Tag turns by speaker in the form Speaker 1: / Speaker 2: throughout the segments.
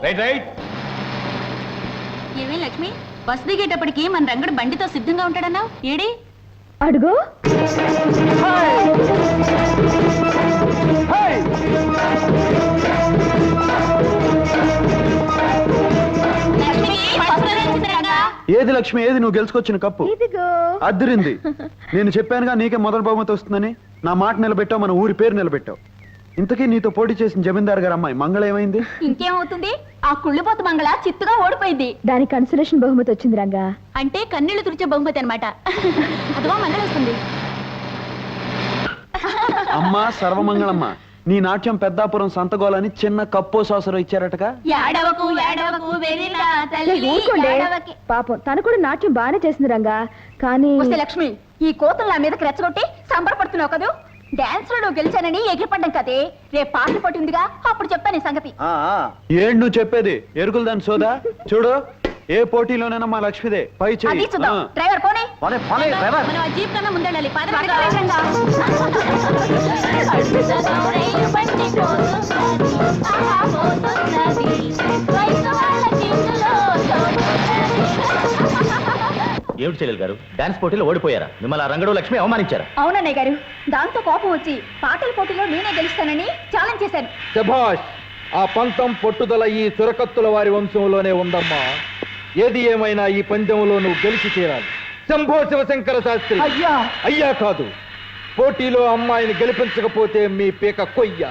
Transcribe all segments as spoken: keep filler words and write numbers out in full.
Speaker 1: Right right.
Speaker 2: ఏమే Lakshmi, bus దిగేటప్పటికి మన రంగడు బండితో సిద్ధంగా ఉంటాడన్నావు, ఏడి?
Speaker 3: అడుగు.
Speaker 4: ఏది లక్ష్మి, ఏది నువ్వు గెలుచుకొచ్చిన కప్పు? అద్దరింది. నేను చెప్పానుగా నీకే మొదటి బహుమతి వస్తుందని. నా మాట నిలబెట్టావు, మన ఊరి పేరు నిలబెట్టావు. ఇంతకీ నీతో పోటీ చేసిన జమీందార్ గారు అమ్మాయి మంగళ ఏమైంది?
Speaker 2: ఇంకేమవుతుంది, ఆ కుళ్ళిపోతు మంగళ చిత్తుగా ఓడిపోయింది.
Speaker 3: దానికి కన్సలేషన్ బహుమతి వచ్చింది రంగా.
Speaker 2: అంటే కన్నీళ్లు తుడిచే బహుమతి అనమాట. అదిగో మంగళ వస్తుంది.
Speaker 4: అమ్మా సర్వమంగళమ్మ, నీ నాట్యం పెద్దాపురం సంతగోలని చిన్న కప్పో సాసరు ఇచ్చారటగా.
Speaker 2: ఏడవకు ఏడవకు వెరిలా తల్లి ఏడవకి.
Speaker 3: పాపం తను కూడా నాట్యం బాగానే చేసింది రంగా. కానీ
Speaker 2: వస్తే లక్ష్మి, ఈ కోతులు నా మీదకి రెచ్చగొట్టి సంబరపడుతున్నావు కదూ. డాన్స్ లో నువ్వు గెలిచానని ఎగిరిపడ్డం కదే. రేపు పాటలు పట్టి ఉందిగా, అప్పుడు చెప్తాను ఈ సంగతి.
Speaker 4: ఏంటి నువ్వు చెప్పేది? ఎరుకులు దాని సోదా. చూడు, ఏ పోటీలోనైనా మా లక్ష్మిదే పై చెయ్యి.
Speaker 2: డ్రైవర్ పోనీ,
Speaker 4: డ్రైవర్
Speaker 2: మనం ఆ జీప్ కన్నా ముందెళ్ళాలి.
Speaker 1: ఏమిటి చెల్లెలు గారు, డాన్స్ పోటీలో ఓడిపోయారా? మిమ్మల్ని రంగడు లక్ష్మి అవమానించారా?
Speaker 2: అవునన్నయ్య గారు, దాంతో కోపం వచ్చి పాటల పోటీలో నేనే గెలుస్తానని ఛాలెంజ్ చేశాను.
Speaker 5: శభాష్! ఆ పంతం పట్టుదల ఈ చురకత్తుల వారి వంశంలోనే ఉందమ్మా. ఏది ఏమైనా ఈ పందెంలో నువ్వు గెలిచి తీరాలి. శంభో శివశంకర శాస్త్రి. అయ్యా అయ్యా కాదు, పోటీలో అమ్మాయిని గెలిపించకపోతే మీ పీక కొయ్య.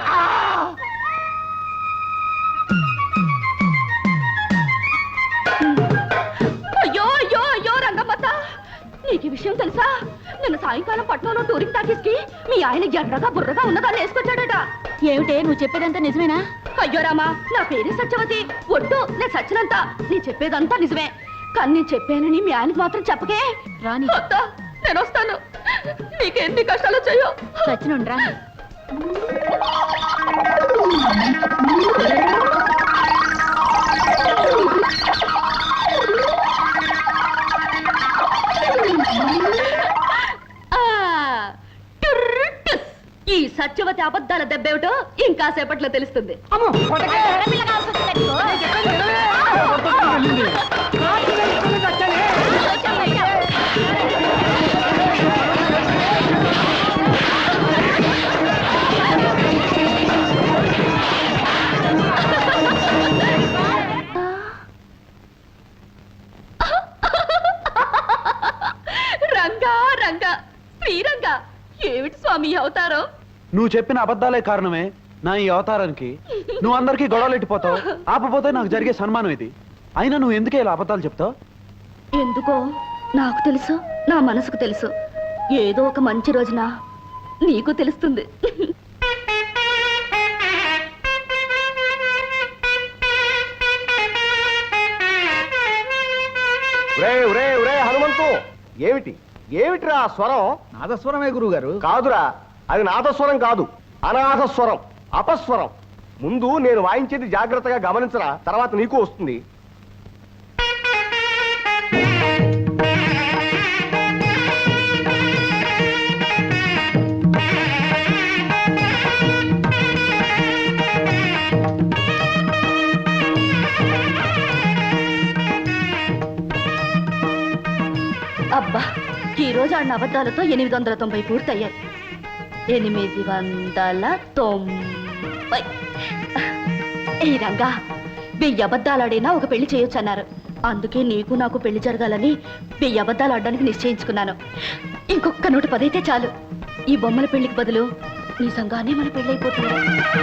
Speaker 2: అయ్యో అయ్యో అయ్యో రంగమ్మత, నీకు ఈ విషయం తెలుసా? నిన్న సాయంకాలం పట్నంలో టూరింగ్ టాకీస్కి మీ ఆయన ఎర్రగా బుర్రగా ఉన్నదాన్ని వేసుకొచ్చాడట. ఏమిటే నువ్వు చెప్పేదంతా నిజమేనా? అయ్యో రామా, నా పేరు సత్యవతి. ఒట్టు, నేను సచ్చినంత. నీ చెప్పేదంతా నిజమే, కానీ నేను చెప్పానని మీ ఆయనకు మాత్రం చెప్పకే. రాని నేను వస్తాను, నీకెన్ని కష్టాలు వచ్చాయో. సచ్చినుండ్రా. ఈ సత్యవతి అబద్ధాల దెబ్బేమిటో ఇంకా సేపట్లో తెలుస్తుంది. రంగా రంగా శ్రీరంగా, ఏమిటి స్వామి అవతారం?
Speaker 4: నువ్వు చెప్పిన అబద్ధాలే కారణమే నా ఈ అవతారానికి. నువ్వు అందరికీ గొడవలు ఎట్టిపోతావు, ఆపపోతే నాకు జరిగే సన్మానం ఇది. అయినా నువ్వు ఎందుకే ఇలా అబద్ధాలు చెప్తావు?
Speaker 2: ఎందుకో నాకు తెలుసు, నా మనసుకు తెలుసు. ఏదో ఒక మంచి రోజున నీకు తెలుస్తుంది.
Speaker 6: హనుమంతు, ఏమిటి ఏమిటిరా స్వరం?
Speaker 5: నాదస్వరమే గురువు గారు.
Speaker 6: కాదురా, అది నాదస్వరం కాదు, అనాథస్వరం, అపస్వరం. ముందు నేను వాయించేది జాగ్రత్తగా గమనించరా, తర్వాత నీకు వస్తుంది.
Speaker 2: అబ్బా, ఈ రోజు ఆడిన అబద్ధాలతో ఎనిమిది వందల తొంభై పూర్తయ్యాయి. ఎనిమిది వందల తొంభై. ఈ రంగా, వెయ్యి అబద్ధాలు ఆడినా ఒక పెళ్లి చేయొచ్చు అన్నారు. అందుకే నీకు నాకు పెళ్లి జరగాలని వెయ్యి అబద్ధాలు ఆడడానికి నిశ్చయించుకున్నాను. ఇంకొక నూట పదైతే చాలు. ఈ బొమ్మల పెళ్లికి బదులు నిజంగానే మన పెళ్లి అయిపోతుంది.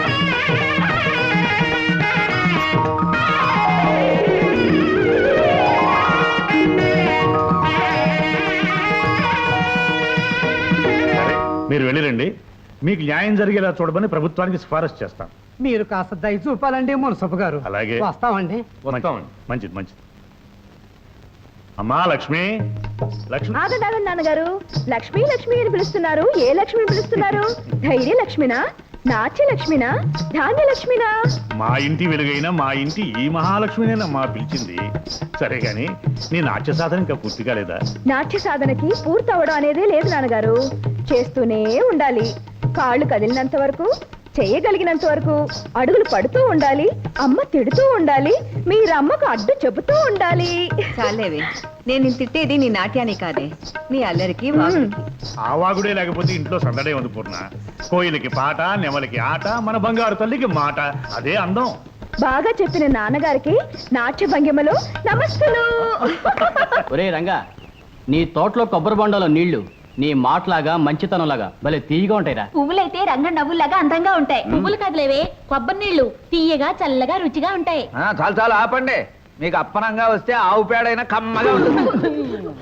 Speaker 1: మీరు వెళ్ళిరండి, మీకు న్యాయం జరిగేలా చూడమని ప్రభుత్వానికి సిఫారసు చేస్తాం.
Speaker 7: మీరు కాస్త దయ చూపాలండి మున్సబ్ గారు.
Speaker 1: అలాగే,
Speaker 7: వస్తామండి.
Speaker 1: వస్తామండి. మంచిది మంచిది. అమ్మా లక్ష్మి, లక్ష్మి.
Speaker 3: ఆగండి ఆగండి నాన్నగారు, లక్ష్మి లక్ష్మి అని పిలుస్తున్నారు. ఏ లక్ష్మిని పిలుస్తున్నారు? ధైర్య లక్ష్మినా, నాట్య లక్ష్మినా, ధాన్య లక్ష్మినా?
Speaker 1: మా ఇంటి వెలుగైన మా ఇంటి ఈ మహాలక్ష్మినేనమ్మా పిలిచింది. సరే గాని నీ నాట్య సాధన ఇంకా పూర్తి కాలేదా?
Speaker 3: నాట్య సాధనకి పూర్తి అవడం అనేదే లేదు నాన్నగారు. చేస్తూనే ఉండాలి. కాళ్ళు కదిలినంత వరకు, చేయగలిగినంత వరకు అడుగులు పడుతూ ఉండాలి, అమ్మ తిడుతూ ఉండాలి, మీరమ్మకు అడ్డు చెబుతూ ఉండాలి.
Speaker 8: చాలేవే, నేను నిన్ను తిట్టేది నీ నాట్యాన్ని కాదే, నీ అల్లరికి వాగుడికి.
Speaker 1: ఆ వాగుడే లేకపోతే ఇంట్లో సందడే ఉంది పూర్ణ. కోయిలకి పాట, నెమలికి ఆట, మన బంగారు తల్లికి మాట. అదే అందం.
Speaker 3: బాగా చెప్పిన నాన్నగారికి నాట్య భంగిమలో నమస్సులు.
Speaker 9: ఒరే రంగా, నీ తోటలో కొబ్బరి బొండలో నీళ్లు నీ మాటలాగా మంచితనంలాగా భలే తీయగా ఉంటాయిరా.
Speaker 2: పువ్వులైతే రంగ నవ్వులాగా అందంగా ఉంటాయి. పువ్వులు కదలేవే, కొబ్బరి నీళ్లు తీయగా చల్లగా రుచిగా ఉంటాయి.
Speaker 5: చాలు చాలు ఆపండి. మీకు అప్పనంగా వస్తే ఆవు పేడైనా కమ్మగా ఉంటుంది.